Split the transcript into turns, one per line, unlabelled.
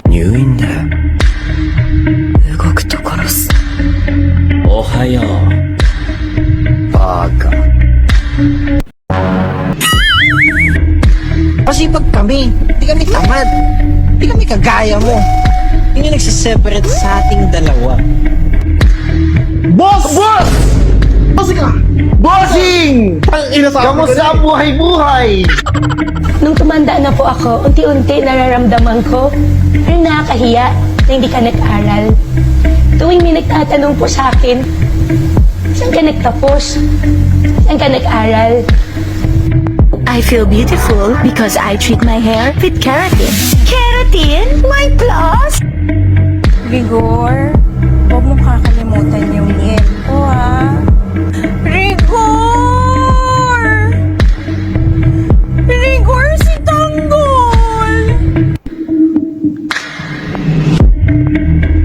入院だよ。
動くと殺す。
おはよう。バカ。
Masipag kami. Hindi kami tamad. Hindi kami kagaya mo. Yun yung nagsiseparate sa ating dalawa.
Boss! Boss! Bossing ka! Bossing! Ang ina sa kamusta ang buhay-buhay?
Nung tumanda na po ako, unti-unti nararamdaman ko na nakakahiya na hindi ka nag-aral. Tuwing may nagtatanong po sa akin, saan ka nagtapos? Saan ka nag-aral?
I feel beautiful because I treat my hair with keratin. Keratin? My plus?
Rigor, huwag mong kakalimutan yung yen ko, ha? Rigor! Rigor, si Tanggol!